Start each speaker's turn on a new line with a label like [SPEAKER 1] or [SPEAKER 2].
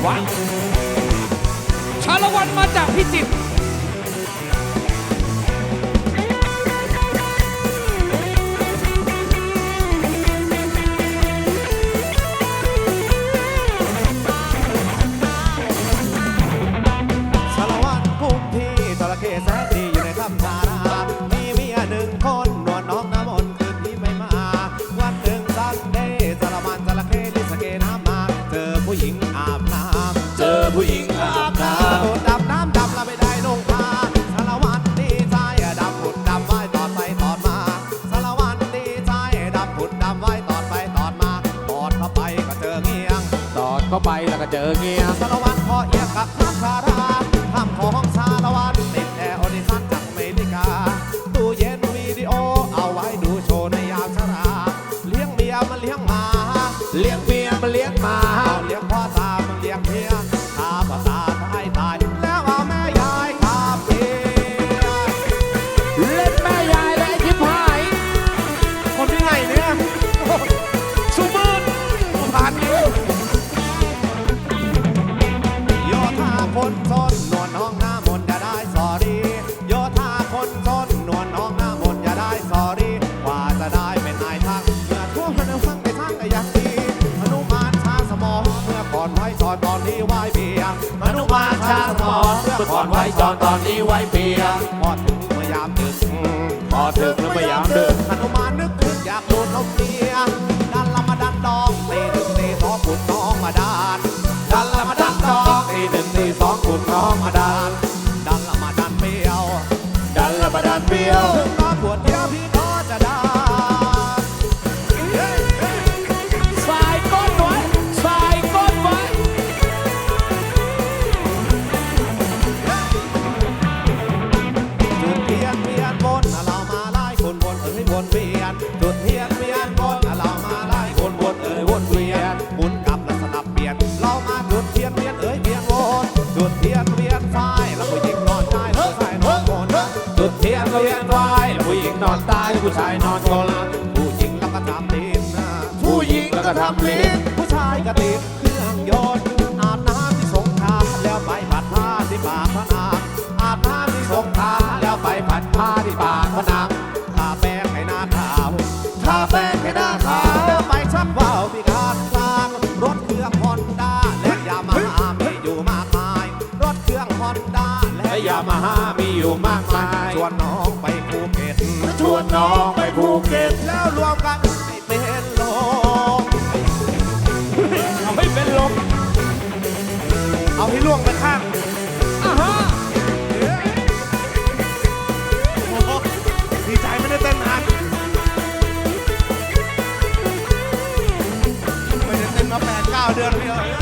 [SPEAKER 1] ว้าวชาละวันมาจากพิจิตร
[SPEAKER 2] ชาละวันพุ่งที่จระเข้แสนดีอยู่ในถ้ำทารามีเมียหนึ่งคนนวลน้องน้ำมนต์คืนนี้ไม่มาวันหนึ่งซันเดย์ชาละวันจระเข้ลิสเกน้ำมาเจอผู้หญิงอาบน้ำเจอผู้หญิงอาบน้ำดำน้ำดำแล้วไม่ได้ลงพาชาละวันดีใจดำผุดดำไว้ตอดไปตอดมาชาละวันดีใจดำผุดดำไว้ตอดไปตอดมาตอดเข้าไปก็เจอเงี้ยง
[SPEAKER 3] ตอดเข้าไปแล้วก็เจอเงี้ย
[SPEAKER 2] ชาละวันพอเอียงกับทัพคาราทำของชาละวันติดแอร์ออดิชั่นจากอเมริกาตู้เย็นวิดีโอเอาไว้ดูโชว์ในยามชราเลี้ยงเมียมันเลี้ยงหมา
[SPEAKER 3] เลี้ยงเมียมาเลี้ยงหมา
[SPEAKER 2] เอาเลี้ยงพ่อตามันเลี้ยงเมียตาพ่อตาตายตายแล้วเอาแม่ยายคาเมีย
[SPEAKER 3] เล่นแม่ยายและไอ้ชิบหาย
[SPEAKER 2] คนที่ไหนเนี่ยสุมืนผ่านนี้โยธาคนซนนวลน้องหน้ามนต์อย่าได้สอรีโยธาคนซนนวลน้องหน้ามนต์อย่าได้สอรีกว่าจะได้เป็นนายทางเมื่อทั่วพนังฟังไปทางก็ยังดีมนุมานชาสมองเมื่อก่อนไว้จอนตอนนี้ไว้เบียร์มนุมานชาสมองเมื่อก่อนไว้จอนตอนนี้ไว้เบียร์พอถึงเมื่อยามดึก
[SPEAKER 3] พอถึงแล้วพยายามดึก
[SPEAKER 2] มนุมานนึกถึงอยากโดนนมเมียดันละมาดันดองตีหนึ่งตีสองขุดน้องมาดานดันละมาดันดองตีหนึ่งตีสองขุดน้องมาดานดันละมาดันเปรี้ยว
[SPEAKER 3] ดันและประดานเปรี้ยว
[SPEAKER 2] ถึงตอนปวดเดียวพี่ก็จะได้
[SPEAKER 3] สายก้นไว้สายก้นไว้
[SPEAKER 2] จุดเทียนเวียนวนเรามาไล่คนวนวนเวียนจุดเทียนเวียนวนเรามาไล่คนวนวนเวียนหมุนกลับแล้วสลับเปลี่ยนเรามาจุดเทียนเวียนเวียนวนจุดเทียนเวียนไฟแล้วผู้หญิงนอนใจแล้วผู้ชายนอนบนจุดเทียนเวียนไฟแล้วผู้หญิงนอนตายผู้ชายนอนกนผู้หญิงแล้วก็ทำลิ้น
[SPEAKER 3] ผู้หญิงแล้วก็ทำลิ้น
[SPEAKER 2] ผู้ชายก็ติดเครื่องยนต์อาบน้ำที่สงขลาแล้วไปผัดผ้าที่ปากพนังอาบน้ำที่สงขลาแล้วไปผัดผ้าที่ปากพนังทาแป้งให้หน้าขาวทาแป้งให้หน้าขาวแล้วไปชักว่าวพิการกลางรถเครื่องฮอนด้าและยามาฮ่ามีอยู่มากมายรถเครื่องฮอนด้าและ
[SPEAKER 3] และยามาฮ่ามีอยู่มากมาย
[SPEAKER 2] ชวนน้องไปภูเก็ต
[SPEAKER 3] ชวนน้องไปภูเก็ต
[SPEAKER 2] แล้วรวมกันให้เป็นลม
[SPEAKER 3] เอาให้เป็นลม
[SPEAKER 2] เอาให้ล่วงไปข้าง
[SPEAKER 3] อ่าฮะ
[SPEAKER 2] โอ้โหดีใจไม่ได้เต้นนานไม่ได้เต้นมา8-9 เดือนพี่เอ้ย